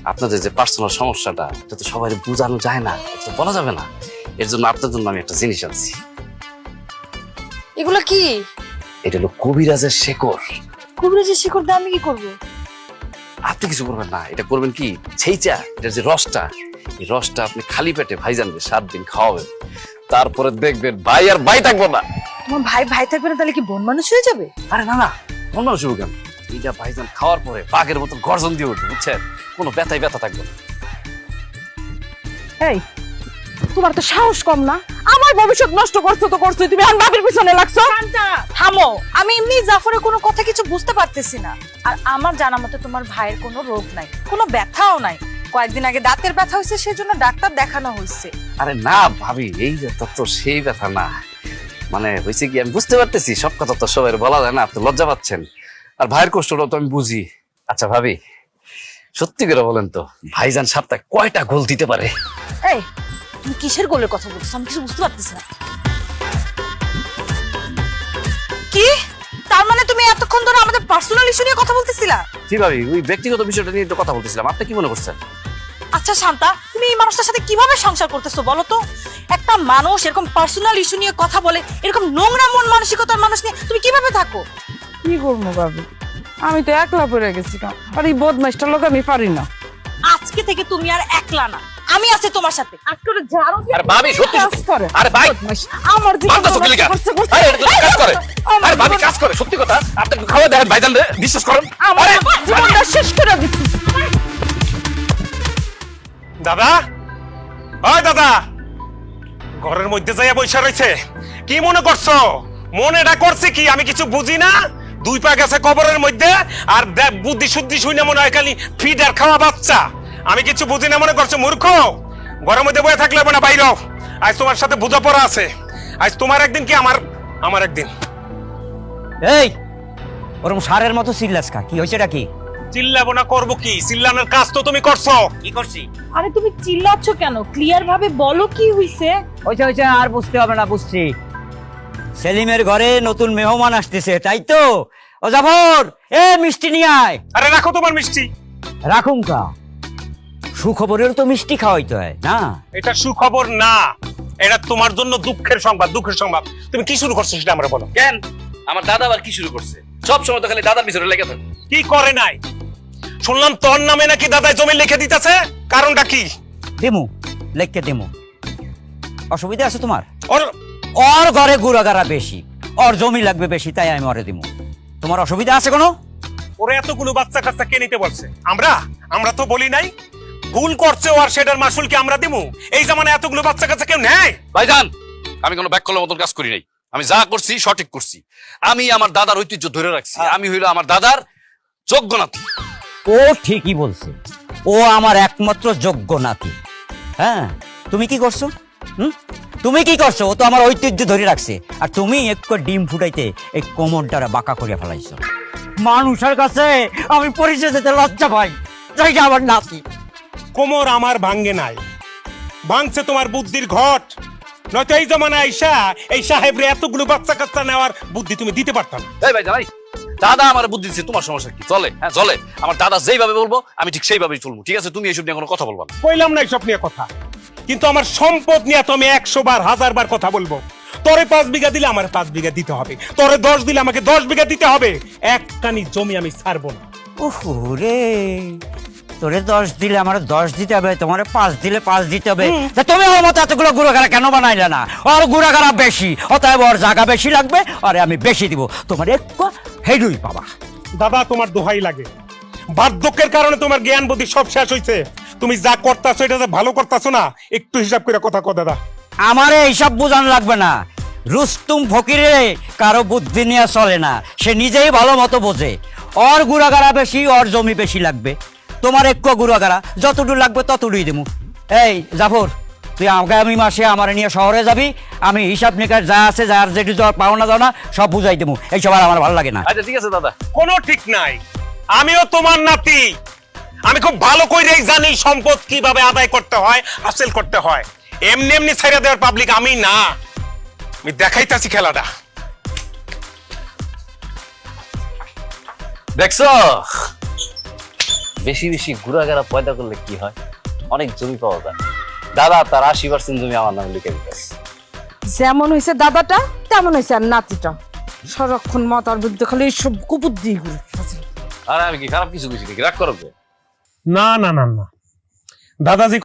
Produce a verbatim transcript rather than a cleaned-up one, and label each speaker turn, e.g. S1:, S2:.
S1: আপনাদের যে পার্সোনাল সমস্যাটা এটা তো সবাই বোঝানো যায় না, এটা তো বলা যাবে না। এর জন্য আপনার জন্য আমি একটা জিনিস আনছি।
S2: এগুলো কি?
S1: এটা হলো কবিরাজের শেকড়।
S2: কবিরাজের শিকড় দিয়ে আমি কি করবো?
S1: আপনি কিছু করবেন না, এটা করবেন কি, সেইটা এটার যে রসটা, এই রসটা আপনি খালি পেটে ভাইজানকে সাত দিন খাওয়াবেন, তারপরে দেখবেন ভাই আর ভাই থাকবো না।
S2: তোমার ভাই ভাই থাকবে না, তাহলে কি বন মানুষ হয়ে যাবে?
S1: আরে না না, মন শুভ কেন, এইটা ভাইজান খাওয়ার পরে বাঘের মতো গর্জন দিয়ে উঠবে, বুঝছেন? কোনো ব্যথাই ব্যথা থাকবে না।
S3: এই তোমার তো সাহস কম না, আমার ভবিষ্যৎ নষ্ট করছো তো করছো, তুমি এখন বাপের পিছনে লাগছো।
S2: থামো, আমি এমনি জাফরের কোনো কথা কিছু বুঝতে পারতেছি না। আর আমার জানা মতে তোমার ভাইয়ের কোনো রোগ নাই, কোনো ব্যথাও নাই। কয়েকদিন আগে দাঁতের ব্যথা হয়েছে, সেই জন্য ডাক্তার দেখানো হয়েছে।
S1: আরে না ভাবি, এই ব্যথা তো সেই ব্যথা না, মানে হয়েছে কি আমি বুঝতে পারতেছি, সব কথা তো সবাই বলা যায় না, আপনি লজ্জা পাচ্ছেন, আর ভাইয়ের কষ্টটা তো আমি বুঝি। আচ্ছা ভাবি, সত্যি করে বলেন তো, ভাইজান সপ্তাহে কয়টা গোল দিতে পারে?
S2: এই তুমি কিসের গোলের কথা বলছো? আমি কিছু বুঝতে পারতেছি না। কি তার মানে তুমি এতক্ষণ ধরে আমাদের পার্সোনাল ইস্যু নিয়ে কথা বলতেছিলা?
S1: জি ভাবি, ওই ব্যক্তিগত বিষয়টা নিয়ে তো কথা বলতেছিলাম, আপনি কি মনে করছেন?
S2: আচ্ছা শান্তা, তুমি এই মানুষটার সাথে কিভাবে সংসার করতেছো বলো তো? একটা মানুষ এরকম পার্সোনাল ইস্যু নিয়ে কথা বলে, এরকম নোংরা মন মানসিকতার মানুষ নিয়ে তুমি কিভাবে থাকো?
S3: কি করবো ভাবি, আমি তো একলা পড়ে গেছি, আর এই বদমাইশটার লোক আমি পারি না।
S2: আজকে থেকে তুমি আর একলা না, আমি আছি তোমার সাথে। আজকে যারো
S1: আরে ভাবি সত্যি
S3: কাজ করে।
S1: আরে ভাই
S3: আমার জীবন
S1: বান্দা চোখে লিগা।
S3: করছে, করছে।
S1: আরে এটা তো কাজ করে, আরে ভাবি কাজ করে, সত্যি কথা, আপনি খাওয়া দেখেন ভাইজান রে, বিশ্বাস করেন।
S3: আমার
S1: আরে
S3: জীবনটা শেষ করে দিচ্ছি।
S4: দাদা, ওই দাদা, ঘরের মধ্যে যাইয়া বৈশা রয়েছে, কি মনে করছো? মনেটা করছে কি আমি কিছু বুঝি না? দুই পা গেছে কবরের মধ্যে, আর বুদ্ধি শুদ্ধি শুনে মনে হয় খালি ফিড আর খাওয়া বাচ্চা। আমি কিছু বুঝি না মনে করছো? মূর্খ, ঘরের মধ্যে বয়ে থাকলে না, বাইর হও। আজ তোমার সাথে বোঝাপড়া আছে, আজ তোমার একদিন কি আমার আমার একদিন।
S5: এই ওরকম সারের মতো চিল্লাস কা, কি হয়েছেটা কি?
S4: চিল্লাবো না করবো কি? চিল্লানোর কাজ তো তুমি করছো।
S5: কি করছি?
S2: আরে তুমি চিল্লাচ্ছ কেন? ক্লিয়ার ভাবে বলো কি হইছে।
S5: হয়েছে হয়েছে, আর বুঝতে হবে না, বুঝছি। সেলিমের ঘরে নতুন মেহমান আসতেছে, তাই তো? ও জাফর, এ মিষ্টি নিয়ে আয়।
S4: আরে রাখো তোমার মিষ্টি।
S5: রাখুন কা, সুখবরের তো মিষ্টি খাওয়াইতে হয় না?
S4: এটা সুখবর না, এটা তোমার জন্য দুঃখের সংবাদ। দুঃখের সংবাদ। তুমি কি শুরু করছো সেটা আমরা বলো।
S1: কেন আমার দাদা আবার কি শুরু করছে? সব সময় তো খালি দাদার পিছনে লেগে থাকে।
S4: কি করে নাই? শুনলাম তোর নামে নাকি দাদাই জমি লিখে দিতেছে, কারণটা কি?
S5: দেমু লেখকে দেমু, অসুবিধা আছে তোমার?
S4: ওর
S5: ওর ঘরে গুড়াগাড়া বেশি, ওর জমি লাগবে বেশি, তাই আমি ওরে দিমু। তোমার অসুবিধা আছে কোনো?
S4: ওরে এতগুলো বাচ্চা কাচ্চা কে নিতে বলছে? আমরা আমরা তো বলি নাই। ভুল করছে ও, আর সেটার মাসুল কি আমরা দিমু? এই জামানায় এতগুলো বাচ্চা কাচ্চা কেউ নেয়?
S1: ভাইজান, আমি কোনো ব্যাক করার মতন কাজ করি নাই, আমি যা করছি সঠিক করছি। আমি আমার দাদার ঐতিহ্য ধরে রাখছি, আমি হইলো আমার দাদার যোগ্য নাতি।
S5: ও ঠিকই বলছে, ও আমার একমাত্র যোগ্য নাতি। হ্যাঁ, তুমি কি করছো? হুম, তুমি কি করছো? ও তো আমার ঐতিহ্য ধরে রাখছে, আর তুমি একটু ডিম ফুটাইতে এই কোমরটারে বাঁকা করে ফেলাইছো। মানুষের কাছে আমি পরিচয় দিতে লজ্জা পাই, যাইটা আমার নাতি।
S4: কোমর আমার ভাঙ্গে নাই, ভাঙছে তোমার বুদ্ধির ঘট। নয়তো এই জামানায় আইসা এই সাহেবরে এতগুলো বাচ্চা কাচ্চা নেওয়ার বুদ্ধি তুমি দিতে পারতাম।
S1: এই ভাইজান, এই দাদা আমার বুদ্ধি দিচ্ছে, তোমার সমস্যা কি? চলে, হ্যাঁ চলে। আমার দাদা যেইভাবে বলবো আমি ঠিক সেইভাবেই চলবো, ঠিক আছে? তুমি এইসব নিয়ে কোনো কথা বলবা না।
S4: কইলাম না এইসব নিয়ে কথা, কিন্তু আমার সম্পদ নিয়ে তো আমি একশো বার হাজার বার কথা বলবো। তোরে পাঁচ বিঘা দিলে আমার পাঁচ বিঘা দিতে হবে, তোরে দশ দিলে আমাকে দশ বিঘা দিতে হবে। একটানি জমি আমি ছাড়বো না।
S5: ওহো রে, তোরে দশ দিলে আমার দশ দিতে হবে, তোমার পাঁচ দিলে পাঁচ দিতে হবে। তা তুমি আমার মতো এতগুলো গুড়াগাড়া কেন বানাইলে না? ওর গুড়াগাড়া বেশি, অতএব ওর জায়গা বেশি লাগবে, আরে আমি বেশি দিব, তোমার একটু হেডুই পাবা।
S4: দাদা তোমার দোহাই লাগে, বার্ধক্যের কারণে তোমার জ্ঞান বুদ্ধি সব শেষ হয়েছে। তুমি যা করতেছো এটা যে ভালো করতেছো না, একটু হিসাব করে কথা কও দাদা।
S5: আমারে এইসব বোঝান লাগবে না। রুস্তুম ফকিরে কারো বুদ্ধি নিয়ে চলে না, সে নিজেই ভালো মতো বোঝে। ওর গুড়াগাড়া বেশি, ওর জমি বেশি লাগবে, তোমার একটু গুড়াগাড়া যতটুকু লাগবে ততটুকুই দেবো। এই জাফর, তুই আগামী মাসে আমার নিয়ে শহরে যাবি, আমি হিসাব নিকাশ যা আছে, যার যেটি পাওনা দাও না সব বুঝাই দেবো। এইসব আর আমার ভালো লাগে না।
S1: আচ্ছা ঠিক আছে দাদা।
S4: কোনো ঠিক নাই, আমিও তোমার নাতি, আমি খুব ভালো করেই জানি সম্পদ কিভাবে আদায় করতে হয়, হাসিল করতে হয়। এমনি এমনি ছেড়ে দেওয়ার পাবলিক আমি না, আমি দেখাইতাছি খেলাটা।
S1: দেখছো বেশি বেশি ঘুরাঘেরা পয়দা করলে কি হয়, অনেক জমি পাওয়া যায়। দাদা তার আশি পার্সেন্ট জমি আমার নামে লিখে দিতেছে।
S3: যেমন হয়েছে দাদাটা তেমন হয়েছে আর নাতিটা। সারাক্ষণ মাতার বিরুদ্ধে খালি সব কুবুদ্ধি ঘুরে।
S1: আর আমি কি খারাপ কিছু কিছু রাগ করবে?
S4: না না না না, দাদাজি